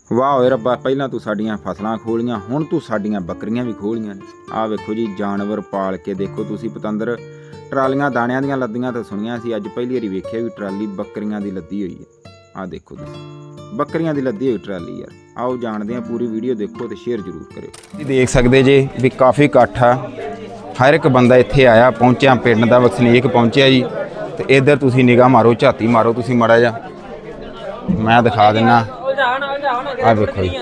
वाह होए रब्बा, पहला तू साडियां फसलां खोलियां, हुण तू साडियां बकरियां भी खोलियां ने। आ वेखो जी जानवर पाल के देखो तुसी पतंदर। ट्रालियां दाणियां दियां लद्दियां तो सुनियां सी, अज पहली वारी वेखिया भी ट्राली बकरियां दी लद्दी होई है। आ देखो तुसी बकरियां दी लद्दी होई ट्राली यार। आओ जानते हैं, पूरी वीडियो देखो तो शेयर जरूर करो। देख सकते जे भी काफ़ी इकट्ठ आ, हर एक बंदा इत्थे आया पहुंचा, पिंड दा वसनीक पहुंचा जी। तो इधर तुसी निगाह मारो, झाती मारो तुसी माड़ा जा, मैं दिखा देना। आ देखो जी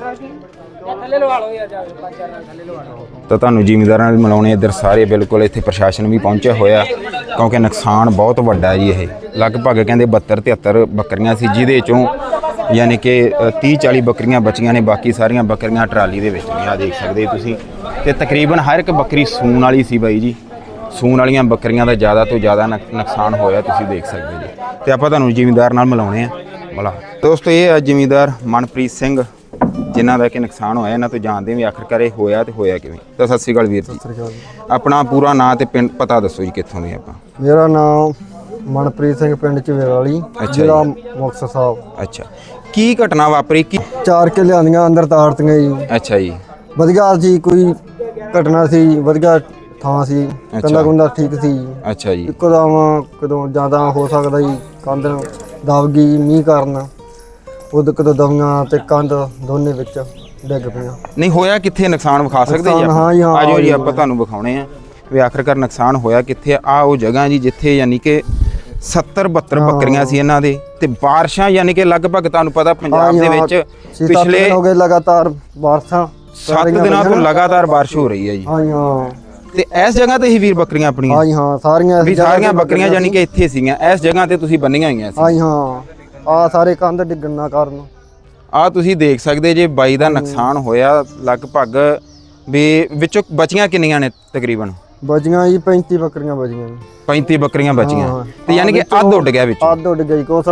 तो तुहानू जिमींदारां नाल मिलाउणे इधर सारे बिल्कुल इत्थे प्रशासन भी पहुंचा होया, क्योंकि नुकसान बहुत वड्डा जी। ये लगभग कहंदे 72-73 बकरियां सी, जिहदे चों यानी कि 30-40 बकरियां बचियां ने, बाकी सारियां बकरियां ट्राली दे विच ने। आ देख सकदे तुसीं, ते तकरीबन हर एक बकरी सूण वाली सी बाई जी। सूण वालियां बकरियां दा ज़्यादा तो ज़्यादा नुकसान होया, तुसीं देख सकदे जी। ते आपां तुहानू जिमींदार नाल मिलाउणे आ। भला दोस्तों ये है जिमींदार मनप्रीत सिंह, जिन्हां दा कि नुकसान होया, इन्हां तो जानते भी आखिरकार ये होया ते होया किवें। तो सत श्री अकाल वीर जी, अपना पूरा नां ते पिंड पता दसो जी, कित्थों दे आपां? मेरा नाम मनप्रीत सिंह, पिंड चवेराली, जिला मुक्तसर साहब। अच्छा, की घटना वापरी की? 4 किल्ले आंदियां अंदर ताड़तीਆਂ जी। अच्छा जी, ਵਧੀਆ ਸੀ, ਕੋਈ ਘਟਨਾ ਸੀ, ਵਧੀਆ ਥਾਂ ਸੀ, ਕੰਦਾ ਕੁੰਦਾ ਠੀਕ ਸੀ। ਅੱਛਾ ਜੀ, ਇੱਕਦਮ ਕਦੋਂ ਜ਼ਿਆਦਾ ਹੋ ਸਕਦਾ ਜੀ, ਕੰਧ ਦਬ ਗਈ ਮੀਂਹ ਕਾਰਨ, ਉਦੋਂ ਕਦੋਂ ਦਵੀਆਂ ਤੇ ਕੰਧ ਦੋਨੇ ਵਿੱਚ ਡਿੱਗ ਪਈਆਂ। ਨਹੀਂ ਹੋਇਆ ਕਿੱਥੇ ਨੁਕਸਾਨ ਵਿਖਾ ਸਕਦੇ ਜੀ? ਹਾਂ ਜੀ, ਹਾਂ ਆਜੋ ਜੀ ਆਪਾਂ ਤੁਹਾਨੂੰ ਵਿਖਾਉਣੇ ਆ ਵੀ ਆਖਰਕਾਰ ਨੁਕਸਾਨ ਹੋਇਆ ਕਿੱਥੇ ਆ। ਉਹ ਜਗ੍ਹਾ ਜੀ ਜਿੱਥੇ ਯਾਨੀ ਕਿ 70-72 ਬੱਕਰੀਆਂ ਸੀ ਇਹਨਾਂ ਦੇ, ਤੇ ਬਾਰਿਸ਼ਾਂ ਯਾਨੀ ਕਿ ਲਗਭਗ ਤੁਹਾਨੂੰ ਪਤਾ ਪੰਜਾਬ ਦੇ ਵਿੱਚ ਪਿਛਲੇ ਹੋ ਗਏ ਲਗਾਤਾਰ ਬਾਰਿਸ਼ਾਂ, 7 ਦਿਨਾਂ ਤੋਂ ਲਗਾਤਾਰ ਬਾਰਿਸ਼ ਹੋ ਰਹੀ ਹੈ ਜੀ। ਹਾਂ ਜੀ, ਹਾਂ। ਤੇ ਇਸ ਜਗ੍ਹਾ ਤੇ ਹੀ ਵੀਰ ਬੱਕਰੀਆਂ ਆਪਣੀਆਂ? ਹਾਂ ਜੀ, ਹਾਂ ਸਾਰੀਆਂ ਬੱਕਰੀਆਂ ਯਾਨੀ ਕਿ ਇੱਥੇ ਸੀਗੀਆਂ, ਇਸ ਜਗ੍ਹਾ ਤੇ ਤੁਸੀਂ ਬੰਨੀਆਂ ਹੋਈਆਂ ਸੀ? ਹਾਂ ਜੀ, ਹਾਂ। ਆ ਸਾਰੇ ਕੰਧ ਡਿੱਗਣ ਦਾ ਕਾਰਨ ਆ ਤੁਸੀਂ ਦੇਖ ਸਕਦੇ ਜੇ ਬਾਈ ਦਾ ਨੁਕਸਾਨ ਹੋਇਆ। ਲਗਭਗ ਵੀ ਵਿੱਚੋਂ ਬਚੀਆਂ ਕਿੰਨੀਆਂ ਨੇ? ਤਕਰੀਬਨ ਬਚੀਆਂ ਜੀ 35 ਬੱਕਰੀਆਂ ਬਚੀਆਂ ਜੀ। 35 ਬੱਕਰੀਆਂ ਬਚੀਆਂ, ਤੇ ਯਾਨੀ ਕਿ ਅੱਧ ਉੱਡ ਗਿਆ ਵਿੱਚ? ਅੱਧ ਉੱਡ ਗਿਆ ਜੀ। ਕੁਛ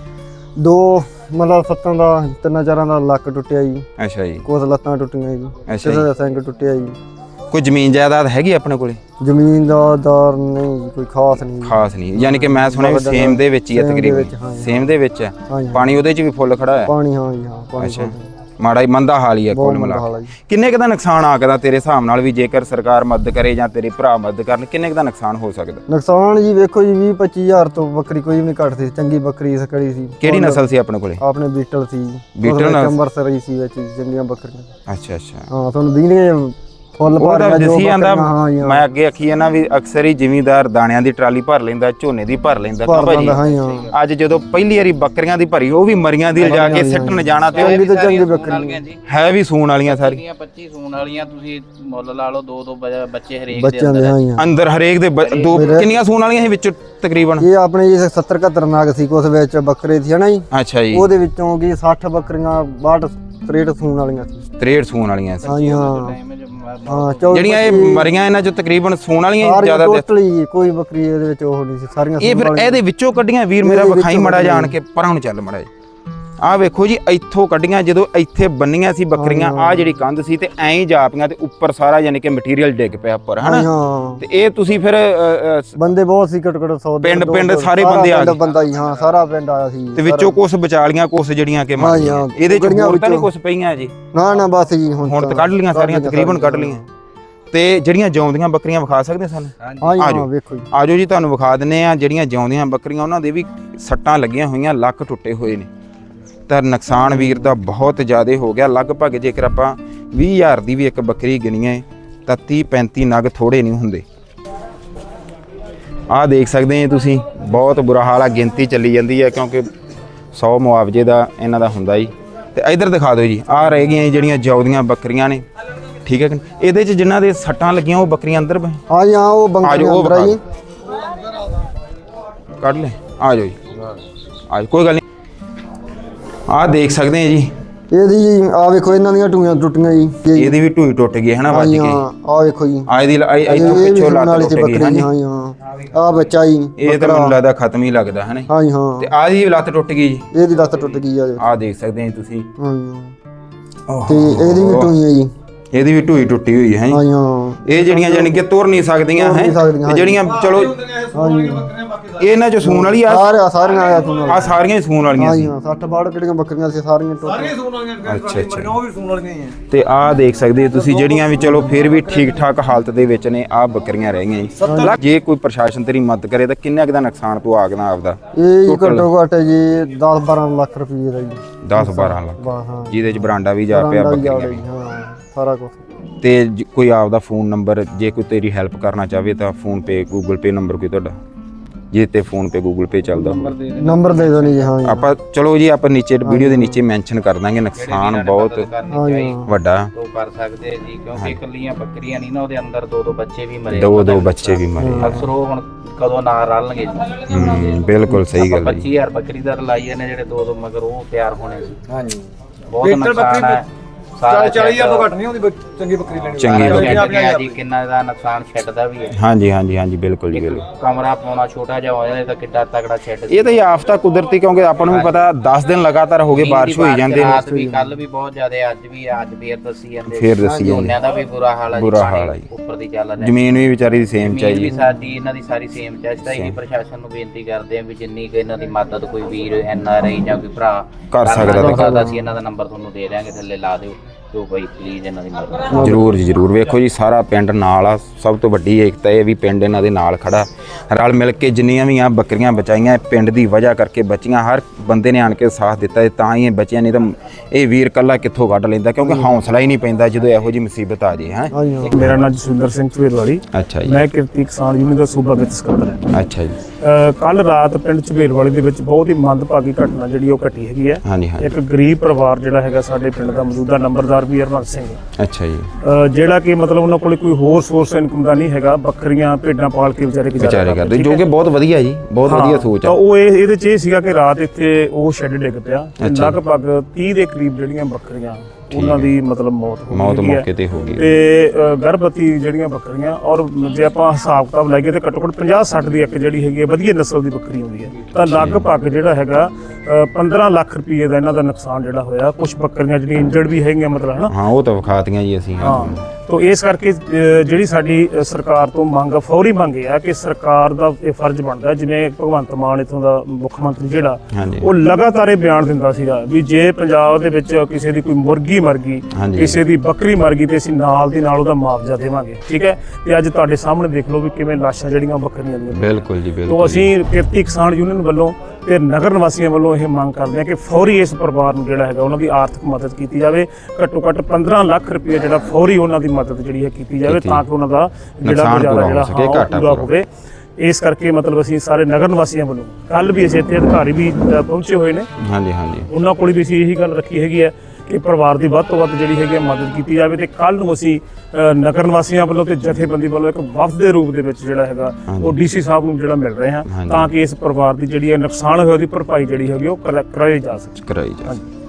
ਦੋ ਮਤਲਬ ਸੱਤਾਂ ਦਾ, 3-4 ਦਾ ਲੱਕ ਟੁੱਟਿਆ ਜੀ। ਅੱਛਾ ਜੀ। ਕੁਛ ਲੱਤਾਂ ਟੁੱਟੀਆਂ ਜੀ, ਕਿਸੇ ਦਾ ਸਿੰਘ ਟੁੱਟਿਆ ਜੀ। ਕੋਈ ਜ਼ਮੀਨ ਜਾਇਦਾਦ ਹੈਗੀ ਆਪਣੇ ਕੋਲੇ? ਜ਼ਮੀਨ ਦਾ ਨਹੀਂ ਕੋਈ ਖਾਸ ਨਹੀਂ। ਖਾਸ ਨਹੀਂ, ਯਾਨੀ ਕਿ ਮੈਂ ਸੁਣਿਆ ਵੀ ਸੇਮ ਦੇ ਵਿੱਚ ਹੀ ਹੈ ਤਕਰੀਬਨ? ਸੇਮ ਦੇ ਵਿੱਚ ਹੈ, ਪਾਣੀ ਉਹਦੇ 'ਚ ਵੀ ਫੁੱਲ ਖੜਾ ਹੈ? ਪਾਣੀ, ਹਾਂ ਜੀ, ਹਾਂ ਪਾਣੀ। ਅੱਛਾ, ਮਾੜਾ ਹੀ ਮੰਦਾ ਹਾਲ ਹੀ ਹੈ ਕੁੱਲ ਮਿਲਾ ਕੇ। ਕਿੰਨੇ ਕੁ ਦਾ ਨੁਕਸਾਨ ਆ ਸਕਦਾ ਤੇਰੇ ਹਿਸਾਬ ਨਾਲ, ਵੀ ਜੇਕਰ ਸਰਕਾਰ ਮਦਦ ਕਰੇ ਜਾਂ ਤੇਰੇ ਭਰਾ ਮਦਦ ਕਰਨ, ਕਿੰਨੇ ਕੁ ਦਾ ਨੁਕਸਾਨ ਹੋ ਸਕਦਾ? ਨੁਕਸਾਨ ਜੀ ਵੇਖੋ ਜੀ 20-25 ਹਜ਼ਾਰ ਤੋਂ ਬੱਕਰੀ ਕੋਈ ਵੀ ਨਹੀਂ ਘੱਟ ਸੀ। ਚੰਗੀ ਬੱਕਰੀ ਸਕੜੀ ਸੀ। ਕਿਹੜੀ ਨਸਲ ਸੀ ਆਪਣੇ ਕੋਲੇ? ਆਪਣੇ ਬੀਟਲ ਸੀ। ਬੀਟਲ ਅੰਮ੍ਰਿਤਸਰੀ ਸੀ ਵਿੱਚ ਚੰਗੀਆਂ ਬੱਕਰੀਆਂ। ਅੱਛਾ ਅੱਛਾ, ਹਾਂ ਤੁਹਾਨੂੰ ਦੀਨਗੇ ਫੁੱਲ ਭਰ ਗਿਆ ਜੋ ਜਾਂਦਾ। ਮੈਂ ਅੱਗੇ ਆਖੀ ਹੈ ਨਾ ਵੀ ਅਕਸਰ ਹੀ ਜ਼ਿਮੀਂਦਾਰ ਦਾਣਿਆਂ ਦੀ ਟਰਾਲੀ ਭਰ ਲੈਂਦਾ, ਝੋਨੇ ਦੀ ਭਰ ਲੈਂਦਾ ਭਾਜੀ। ਅੱਜ ਜਦੋਂ ਪਹਿਲੀ ਵਾਰੀ ਬੱਕਰੀਆਂ ਦੀ ਭਰੀ, ਉਹ ਵੀ ਮਰੀਆਂ ਦੀ ਲਿਜਾ ਕੇ ਸਿੱਟਣ ਜਾਣਾ, ਤੇ ਚੰਗੀ ਤੋਂ ਚੰਗੀ ਬੱਕਰੀ ਹੈ ਵੀ ਸੂਣ ਵਾਲੀਆਂ ਸਾਰੀਆਂ। 25 ਸੂਣ ਵਾਲੀਆਂ ਤੁਸੀਂ ਮੁੱਲ ਲਾ ਲਓ, 2-2 ਬੱਚੇ ਹਰੇਕ ਬੱਚਿਆਂ ਦੇ ਅੰਦਰ, ਹਰੇਕ ਦੇ ਦੋ। ਕਿੰਨੀਆਂ ਸੂਣ ਵਾਲੀਆਂ ਸੀ ਵਿੱਚ ਤਕਰੀਬਨ? ਇਹ ਆਪਣੇ ਜੀ 70-71 ਨਾਗ ਸੀ, ਕੁਛ ਵਿੱਚ ਬੱਕਰੇ ਸੀ ਹਨਾ ਜੀ। ਅੱਛਾ ਜੀ। ਉਹਦੇ ਵਿੱਚੋਂ ਕੀ 60 ਬੱਕਰੀਆਂ 62-63 ਸੂਣ ਵਾਲੀਆਂ ਸੀ। 63 ਸੂਣ ਵਾਲੀਆਂ ਸੀ। ਹਾਂ, ਜਿਹੜੀਆਂ ਇਹ ਮਰੀਆਂ ਇਹਨਾਂ ਚੋਂ ਤਕਰੀਬਨ ਸੂਣ ਵਾਲੀਆਂ ਜ਼ਿਆਦਾ? ਟੋਟਲੀ ਕੋਈ ਬੱਕਰੀ ਇਹਦੇ ਵਿੱਚ ਉਹ ਨਹੀਂ ਸੀ, ਸਾਰੀਆਂ। ਇਹ ਫਿਰ ਇਹਦੇ ਵਿੱਚੋਂ ਕੱਢੀਆਂ ਵੀਰ ਮੇਰਾ ਵਿਖਾਈ ਮੜਾ ਜਾਣ ਕੇ ਪਰਾਂ ਨੂੰ ਚੱਲ ਮੜਾ। ਆਹ ਵੇਖੋ ਜੀ, ਇੱਥੋਂ ਕੱਢੀਆਂ ਜਦੋਂ ਇੱਥੇ ਬੰਨੀਆਂ ਸੀ ਬੱਕਰੀਆਂ, ਆਹ ਜਿਹੜੀ ਕੰਧ ਸੀ, ਤੇ ਐਂ ਹੀ ਜਾਪੀਆਂ ਤੇ ਉੱਪਰ ਸਾਰਾ ਯਾਨੀ ਕਿ ਮਟੀਰੀਅਲ ਡਿੱਗ ਪਿਆ ਉੱਪਰ, ਹਨਾ? ਤੇ ਇਹ ਤੁਸੀਂ ਫਿਰ ਬੰਦੇ ਬਹੁਤ ਸੀ, ਘੱਟੋ ਘੱਟ 100 ਪਿੰਡ ਸਾਰੇ ਬੰਦੇ ਆ ਗਏ? ਬੰਦਾ ਹੀ, ਹਾਂ ਸਾਰਾ ਪਿੰਡ ਆਇਆ ਸੀ। ਤੇ ਵਿੱਚੋਂ ਕੁਛ ਬਚਾ ਲੀਆਂ, ਕੁਛ ਜਿਹੜੀਆਂ ਕਿ ਮਰ ਗਈਆਂ। ਇਹਦੇ ਚ ਹੋਰ ਤਾਂ ਨਹੀਂ ਕੁਛ ਪਈਆਂ ਜੀ? ਨਾ ਬਸ ਜੀ, ਹੁਣ ਤਾਂ ਕੱਢ ਲੀਆਂ ਸਾਰੀਆਂ, ਤਕਰੀਬਨ ਕੱਢ ਲੀਆਂ। ਤੇ ਜਿਹੜੀਆਂ ਜਿਉਂਦੀਆਂ ਬੱਕਰੀਆਂ ਵਿਖਾ ਸਕਦੇ ਸਾਨੂੰ? ਹਾਂ ਵੇਖੋ ਜੀ, ਆਜੋ ਜੀ ਤੁਹਾਨੂੰ ਵਿਖਾ ਦਿੰਨੇ ਆ। ਜਿਹੜੀਆਂ ਜਿਉਂਦੀਆਂ ਬੱਕਰੀਆਂ ਉਹਨਾਂ ਦੇ ਵੀ ਸੱਟਾਂ ਲੱਗੀਆਂ ਹੋਈਆਂ, ਲੱਕ ਟੁੱਟੇ ਹੋਏ ਨੇ। ਤਾਂ ਨੁਕਸਾਨ ਵੀਰ ਦਾ ਬਹੁਤ ਜ਼ਿਆਦਾ ਹੋ ਗਿਆ। ਲਗਭਗ ਜੇਕਰ ਆਪਾਂ 20,000 ਦੀ ਵੀ ਇੱਕ ਬੱਕਰੀ ਗਿਣੀਏ ਤਾਂ 30-35 ਨਗ ਥੋੜੇ ਨਹੀਂ ਹੁੰਦੇ। ਆਹ ਦੇਖ ਸਕਦੇ ਆ ਤੁਸੀਂ, ਬਹੁਤ ਬੁਰਾ ਹਾਲ ਆ। ਗਿਣਤੀ ਚੱਲੀ ਜਾਂਦੀ ਹੈ ਕਿਉਂਕਿ 100 ਮੁਆਵਜ਼ੇ ਦਾ ਇਹਨਾਂ ਦਾ ਹੁੰਦਾ ਜੀ। ਤੇ ਇਧਰ ਦਿਖਾ ਦਿਓ ਜੀ, ਆਹ ਰਹਿ ਗਈਆਂ ਜਿਹੜੀਆਂ ਜਿਉਂਦੀਆਂ ਬੱਕਰੀਆਂ ਨੇ, ਠੀਕ ਹੈ ਕਿ ਇਹਦੇ 'ਚ ਜਿਨ੍ਹਾਂ ਦੇ ਸੱਟਾਂ ਲੱਗੀਆਂ ਉਹ ਬੱਕਰੀਆਂ ਅੰਦਰ? ਹਾਂ ਜੀ, ਹਾਂ ਉਹ ਬੱਕਰੀਆਂ ਅੰਦਰ ਆ ਜੀ। ਕੱਢ ਲੈ, ਆ ਜਾਓ ਜੀ, ਆ ਕੋਈ ਗੱਲ ਨਹੀਂ। ਆਹ ਦੇਖ ਸਕਦੇ ਆ ਜੀ, ਇਹਦੀ ਜੀ ਆ ਵੇਖੋ, ਇਹਨਾਂ ਦੀਆਂ ਟੂਈਆਂ ਟੁੱਟੀਆਂ ਜੀ। ਇਹਦੀ ਵੀ ਟੂਈ ਟੁੱਟ ਗਈ ਹੈ ਨਾ, ਵੱਜ ਕੇ। ਆਹ ਵੇਖੋ ਜੀ, ਇਹਦੀ ਇੱਥੋਂ ਪਿੱਛੋਂ ਲੱਤ ਟੁੱਟ ਗਈ ਹੈ ਹਾਂ ਜੀ, ਹਾਂ। ਆਹ ਬੱਚਾ ਜੀ, ਇਹ ਤਾਂ ਮੈਨੂੰ ਲੱਗਦਾ ਖਤਮ ਹੀ ਲੱਗਦਾ ਹੈ ਨਾ? ਹਾਂ ਜੀ, ਹਾਂ। ਤੇ ਆਹ ਦੀ ਲੱਤ ਟੁੱਟ ਗਈ ਜੀ? ਇਹਦੀ ਲੱਤ ਟੁੱਟ ਗਈ ਆ। ਆਹ ਦੇਖ ਸਕਦੇ ਆ ਤੁਸੀਂ। ਹਾਂ ਜੀ, ਤੇ ਇਹਦੀ ਵੀ ਟੂਈ ਹੈ ਜੀ। ਇਹਦੀ ਵੀ ਢੂਈ ਟੁੱਟੀ ਹੋਈ ਹੈ। ਹਾਂ ਇਹ ਜਿਹੜੀਆਂ ਜਾਨੀ ਕਿ ਤੁਰ ਨਹੀਂ ਸਕਦੀਆਂ ਹੈ, ਜਿਹੜੀਆਂ ਚਲੋ ਇਹ ਇਹਨਾਂ ਚ ਸੂਣ ਵਾਲੀ ਆ ਸਾਰੀਆਂ ਆਇਆ ਤੁਹਾਨੂੰ ਆ ਸਾਰੀਆਂ ਹੀ ਸੂਣ ਵਾਲੀਆਂ ਹਾਂ ਸੀ ਜੀ ਹਾਂ 60 62 ਕਿਹੜੀਆਂ ਬੱਕਰੀਆਂ ਸੀ ਸਾਰੀਆਂ ਟੋਟਲ ਅੱਛਾ ਅੱਛਾ ਉਹ ਵੀ ਸੂਣ ਵਾਲੀਆਂ ਹੀ ਆ ਤੇ ਆਹ ਦੇਖ ਸਕਦੇ ਹੋ ਤੁਸੀਂ ਜਿਹੜੀਆਂ ਵੀ ਚਲੋ ਫਿਰ ਵੀ ਠੀਕ ਠਾਕ ਹਾਲਤ ਦੇ ਵਿੱਚ ਨੇ ਆਹ ਬੱਕਰੀਆਂ ਰਹਿ ਗਈਆਂ ਜੀ ਜੇ ਕੋਈ ਪ੍ਰਸ਼ਾਸਨ ਤੇਰੀ ਮਦਦ ਕਰੇ ਤਾਂ ਕਿੰਨਾ ਕੁ ਦਾ ਨੁਕਸਾਨ ਤੂੰ ਆਗਦਾ ਆਪਦਾ ਇਹ ਜੀ ਘੱਟੋ ਘੱਟ ਜੀ 10-12 ਲੱਖ ਰੁਪਏ ਦਾ ਜੀ 10-12 ਲੱਖ ਹਾਂ ਜਿਹਦੇ ਚ ਬਰਾਂਡਾ ਵੀ ਜਾ ਪਿਆ ਬੱਕਰੀਆਂ ਵੀ ਹਾਂ ਸਾਰਾ ਕੁਝ ਤੇ ਕੋਈ ਆਪਦਾ ਫੋਨ ਨੰਬਰ ਜੇ ਕੋਈ ਤੇਰੀ ਹੈਲਪ ਕਰਨਾ ਚਾਹਵੇ ਤਾਂ PhonePe Google Pay number ਕੋਈ ਤੁਹਾਡਾ ਜੇ ਤੇ ਫੋਨ ਪੇ ਗੂਗਲ ਪੇ ਚੱਲਦਾ ਨੰਬਰ ਦੇ ਦੋ ਨਹੀਂ ਜੀ ਹਾਂ ਜੀ ਆਪਾਂ ਚਲੋ ਜੀ ਆਪਾਂ ਨੀਚੇ ਵੀਡੀਓ ਦੇ ਨੀਚੇ ਮੈਂਸ਼ਨ ਕਰ ਦਾਂਗੇ ਨੁਕਸਾਨ ਬਹੁਤ ਹਾਂ ਜੀ ਵੱਡਾ ਉਹ ਕਰ ਸਕਦੇ ਆ ਜੀ ਕਿਉਂਕਿ ਇਕੱਲੀਆਂ ਬੱਕਰੀਆਂ ਨਹੀਂ ਨਾ ਉਹਦੇ ਅੰਦਰ ਦੋ ਬੱਚੇ ਵੀ ਮਰੇ ਦੋ ਬੱਚੇ ਵੀ ਮਰੇ ਅਕਸਰ ਉਹ ਹੁਣ ਕਦੋਂ ਨਾ ਰਲਣਗੇ ਜੀ ਬਿਲਕੁਲ ਸਹੀ ਗੱਲ ਹੈ 25000 ਬੱਕਰੀ ਦਾ ਰਲਾਈਏ ਨੇ ਜਿਹੜੇ ਦੋ ਮਗਰ ਉਹ ਤਿਆਰ ਹੋਣੇ ਸੀ ਹਾਂਜੀ ਬਹੁਤ ਨੁਕਸਾਨ ਹੈ 40,000 ਤੋਂ ਘੱਟ ਨਹੀਂ ਹੁੰਦੀ ਚੰਗੀ ਬੱਕਰੀ ਲੈਣੀ ਚੰਗੀ ਬੱਕਰੀ ਜੀ ਕਿੰਨਾ ਦਾ ਨੁਕਸਾਨ ਸ਼ੈੱਡ ਦਾ ਵੀ ਹੈ ਹਾਂਜੀ ਬਿਲਕੁਲ ਜੀ ਬਿਲਕੁਲ ਕਮਰਾ ਪਾਉਣਾ ਛੋਟਾ ਜਿਹਾ ਹੋ ਜਾਏ ਤਾਂ ਕਿੱਡਾ ਤਕੜਾ ਸ਼ੈੱਡ ਇਹ ਤਾਂ ਆਫਤਾ ਕੁਦਰਤੀ ਕਿਉਂਕਿ ਆਪਾਂ ਨੂੰ ਵੀ ਪਤਾ 10 ਦਿਨ ਲਗਾਤਾਰ ਹੋ ਗਏ ਬਾਰਿਸ਼ ਹੋਈ ਜਾਂਦੇ ਨੇ ਰਾਤ ਵੀ ਕੱਲ ਵੀ ਬਹੁਤ ਜ਼ਿਆਦਾ ਅੱਜ ਫੇਰ ਦੱਸੀ ਜਾਂਦੇ ਫੇਰ ਦੱਸੀ ਜਾਂਦੇ ਝੋਨਿਆਂ ਦਾ ਵੀ ਬੁਰਾ ਹਾਲ ਹੈ ਜੀ, ਬੁਰਾ ਪਾਣੀ ਹਾਲ ਹੈ ਜੀ। ਉੱਪਰ ਦੀ ਚੱਲ ਰਿਹਾ ਜ਼ਮੀਨ ਵੀ ਵਿਚਾਰੀ ਦੀ ਸੇਮ ਜ਼ਮੀਨ ਚਾਹੀਦੀ ਵੀ ਸਾਡੀ ਇਹਨਾਂ ਦੀ ਸਾਰੀ ਸੇਮ ਚਾਹੀਦਾ ਇਹੀ ਪ੍ਰਸ਼ਾਸਨ ਨੂੰ ਬੇਨਤੀ ਕਰਦੇ ਆ ਵੀ ਜਿੰਨੀ ਕਿ ਇਹਨਾਂ ਦੀ ਮਦਦ ਕੋਈ ਵੀਰ NRI ਜਾਂ ਕੋਈ ਭਰਾ ਕਰ ਸਕਦਾ ਤਾਂ ਅਸੀਂ ਇਹਨਾਂ ਦਾ ਨੰਬਰ ਤੁਹਾਨੂੰ ਦੇ ਦਿਆਂਗੇ ਥੱਲੇ ਲਾ ਦਿਓ ਜੋ ਭਾਈ ਪਲੀਜ਼ ਇਹਨਾਂ ਦੀ ਮਦਦ ਜ਼ਰੂਰ ਜੀ ਜ਼ਰੂਰ ਵੇਖੋ ਜੀ ਸਾਰਾ ਪਿੰਡ ਨਾਲ ਆ ਸਭ ਤੋਂ ਵੱਡੀ ਏਕਤਾ ਇਹ ਵੀ ਪਿੰਡ ਇਹਨਾਂ ਦੇ ਨਾਲ ਖੜਾ ਰਲ ਮਿਲ ਕੇ ਜਿੰਨੀਆਂ ਵੀ ਆ ਬੱਕਰੀਆਂ ਬਚਾਈਆਂ ਪਿੰਡ ਦੀ ਵਜ੍ਹਾ ਕਰਕੇ ਬਚੀਆਂ ਹਰ ਬੰਦੇ ਨੇ ਆਣ ਕੇ ਸਾਥ ਦਿੱਤਾ ਤਾਂ ਹੀ ਇਹ ਬਚੀਆਂ ਨਹੀਂ ਤਾਂ ਇਹ ਵੀਰ ਕੱਲਾ ਕਿੱਥੋਂ ਕੱਢ ਲੈਂਦਾ ਕਿਉਂਕਿ ਹੌਸਲਾ ਹੀ ਨਹੀਂ ਪੈਂਦਾ ਜਦੋਂ ਇਹੋ ਜਿਹੀ ਮੁਸੀਬਤ ਆ ਜੇ ਹੈ ਹਾਂ ਜੀ ਹਾਂ ਮੇਰਾ ਨਾਮ ਜਸਵਿੰਦਰ ਸਿੰਘ ਝਵੇਲਵਾਲੀ ਅੱਛਾ ਜੀ ਮੈਂ ਕਿਰਤੀ ਕਿਸਾਨ ਯੂਨੀਅਨ ਦਾ ਸੂਬਾ ਵਿੱਚ ਸਕੱਤਰ ਹਾਂ। ਅੱਛਾ ਜੀ ਕੱਲ ਰਾਤ ਪਿੰਡ ਝਵੇਲਵਾਲੀ ਦੇ ਵਿੱਚ ਬਹੁਤ ਹੀ ਮੰਦਭਾਗੀ ਘਟਨਾ ਜਿਹੜੀ ਉਹ ਘਟੀ ਹੈਗੀ ਹੈ। ਹਾਂਜੀ ਇੱਕ ਗਰੀਬ ਪਰਿਵਾਰ ਜਿਹੜਾ ਹੈਗਾ ਸਾਡੇ ਪਿੰਡ ਦਾ ਮੌਜੂਦਾ ਨੰਬਰਦਾਰ ਵੀ ਹਰਮਨ ਸਿੰਘ ਅੱਛਾ ਜੀ ਜਿਹੜਾ ਕਿ ਮਤਲਬ ਉਹਨਾਂ ਕੋਲ ਕੋਈ ਹੋਰ ਸੋਰਸ ਇਨਕਮ ਦਾ ਨਹੀਂ ਹੈਗਾ ਬੱਕਰੀਆਂ ਭੇਡਾਂ ਪਾਲ ਕੇ ਵਿਚਾਰੇ ਵਿਚਾਰੇ ਕਰਦੇ ਜੋ ਕਿ ਬਹੁਤ ਵਧੀਆ ਜੀ ਬਹੁਤ ਵਧੀਆ ਸੋਚ ਤਾਂ ਆ ਉਹ ਇਹਦੇ ਚ ਇਹ ਸੀਗਾ ਕਿ ਰਾਤ ਇੱਥੇ ਉਹ ਸ਼ੈੱਡ ਡਿੱਗ ਪਿਆ ਤੇ ਲਗਭਗ 30 ਦੇ ਕਰੀਬ ਜਿਹੜੀਆਂ ਬੱਕਰੀਆਂ ਉਹਨਾਂ ਦੀ ਮਤਲਬ ਮੌਤ ਮੌਕੇ ਤੇ ਹੋ ਗਈ ਤੇ ਗਰਭਵਤੀ ਜਿਹੜੀਆਂ ਬੱਕਰੀਆਂ ਔਰ ਜੇ ਆਪਾਂ ਹਿਸਾਬ ਕਿਤਾਬ ਲਾਈਏ ਤੇ ਘੱਟੋ ਘੱਟ 50-60 ਦੀ ਇੱਕ ਜਿਹੜੀ ਹੈਗੀ ਹੈ ਵਧੀਆ ਨਸਲ ਦੀ ਬੱਕਰੀ ਹੁੰਦੀ ਹੈ ਤਾਂ ਲਗਭਗ ਜਿਹੜਾ ਹੈਗਾ 15 ਲੱਖ ਰੁਪਏ ਦਾ ਇਹਨਾਂ ਦਾ ਨੁਕਸਾਨ ਜਿਹੜਾ ਹੋਇਆ ਕੁਝ ਬੱਕਰੀਆਂ ਜਿਹੜੀਆਂ ਇੰਜਰਡ ਵੀ ਹੈਗੀਆਂ ਮਤਲਬ ਹਨਾ ਹਾਂ ਉਹ ਤਾਂ ਵਿਖਾਤੀਆਂ ਜੀ ਅਸੀਂ ਹਾਂ ਤੋ ਇਸ ਕਰਕੇ ਜਿਹੜੀ ਸਾਡੀ ਸਰਕਾਰ ਤੋਂ ਮੰਗ ਫੌਰੀ ਮੰਗ ਇਹ ਆ ਕਿ ਸਰਕਾਰ ਦਾ ਇਹ ਫਰਜ਼ ਬਣਦਾ ਜਿਵੇਂ ਭਗਵੰਤ ਮਾਨ ਇੱਥੋਂ ਦਾ ਮੁੱਖ ਮੰਤਰੀ ਜਿਹੜਾ ਉਹ ਲਗਾਤਾਰ ਇਹ ਬਿਆਨ ਦਿੰਦਾ ਸੀਗਾ ਵੀ ਜੇ ਪੰਜਾਬ ਦੇ ਵਿੱਚ ਕਿਸੇ ਦੀ ਕੋਈ ਮੁਰਗੀ ਮਰ ਗਈ ਕਿਸੇ ਦੀ ਬੱਕਰੀ ਮਰ ਗਈ ਤੇ ਅਸੀਂ ਨਾਲ ਦੀ ਨਾਲ ਉਹਦਾ ਮੁਆਵਜ਼ਾ ਦੇਵਾਂਗੇ ਠੀਕ ਹੈ ਤੇ ਅੱਜ ਤੁਹਾਡੇ ਸਾਹਮਣੇ ਦੇਖ ਲਓ ਵੀ ਕਿਵੇਂ ਲਾਸ਼ਾਂ ਜਿਹੜੀਆਂ ਬੱਕਰੀਆਂ ਦੀਆਂ ਬਿਲਕੁਲ ਜੀ ਬਿਲਕੁਲ ਤੋ ਅਸੀਂ ਕਿਰਤੀ ਕਿਸਾਨ ਯੂਨੀਅਨ ਵੱਲੋਂ ਤੇ ਨਗਰ ਨਿਵਾਸੀਆਂ ਵੱਲੋਂ ਇਹ ਮੰਗ ਕਰਦੇ ਆ ਕਿ ਫੌਰੀ ਇਸ ਪਰਿਵਾਰ ਨੂੰ ਜਿਹੜਾ ਹੈਗਾ ਉਹਨਾਂ ਦੀ ਆਰਥਿਕ ਮਦਦ ਕੀਤੀ ਜਾਵੇ ਘੱਟੋ ਘੱਟ 15 ਲੱਖ ਰੁਪਏ ਜਿਹੜਾ ਫੌਰੀ ਉਹਨਾਂ ਦੀ ਮਦਦ ਜਿਹੜੀ ਹੈ ਕੀਤੀ ਜਾਵੇ ਤਾਂ ਕਿ ਉਹਨਾਂ ਦਾ ਜਿਹੜਾ ਪੂਰਾ ਹੋਵੇ ਇਸ ਕਰਕੇ ਮਤਲਬ ਅਸੀਂ ਸਾਰੇ ਨਗਰ ਨਿਵਾਸੀਆਂ ਵੱਲੋਂ ਕੱਲ ਵੀ ਅਸੀਂ ਇੱਥੇ ਅਧਿਕਾਰੀ ਵੀ ਪਹੁੰਚੇ ਹੋਏ ਨੇ ਹਾਂਜੀ ਉਹਨਾਂ ਕੋਲ ਵੀ ਅਸੀਂ ਇਹੀ ਗੱਲ ਰੱਖੀ ਹੈਗੀ ਹੈ ਕਿ ਪਰਿਵਾਰ ਦੀ ਵੱਧ ਤੋਂ ਵੱਧ ਜਿਹੜੀ ਹੈਗੀ ਮਦਦ ਕੀਤੀ ਜਾਵੇ ਤੇ ਕੱਲ ਨੂੰ ਅਸੀਂ ਨਗਰ ਨਿਵਾਸੀਆਂ ਵੱਲੋਂ ਤੇ ਜਥੇਬੰਦੀ ਵੱਲੋਂ ਇੱਕ ਵਫਦ ਦੇ ਰੂਪ ਦੇ ਵਿੱਚ ਜਿਹੜਾ ਹੈਗਾ ਉਹ DC ਸਾਹਿਬ ਨੂੰ ਜਿਹੜਾ ਮਿਲ ਰਹੇ ਹਾਂ ਤਾਂ ਕਿ ਇਸ ਪਰਿਵਾਰ ਦੀ ਜਿਹੜੀ ਨੁਕਸਾਨ ਹੋਇਆ ਉਹਦੀ ਭਰਪਾਈ ਜਿਹੜੀ ਹੈਗੀ ਉਹ ਕਰਾਈ ਜਾ ਸਕੇ।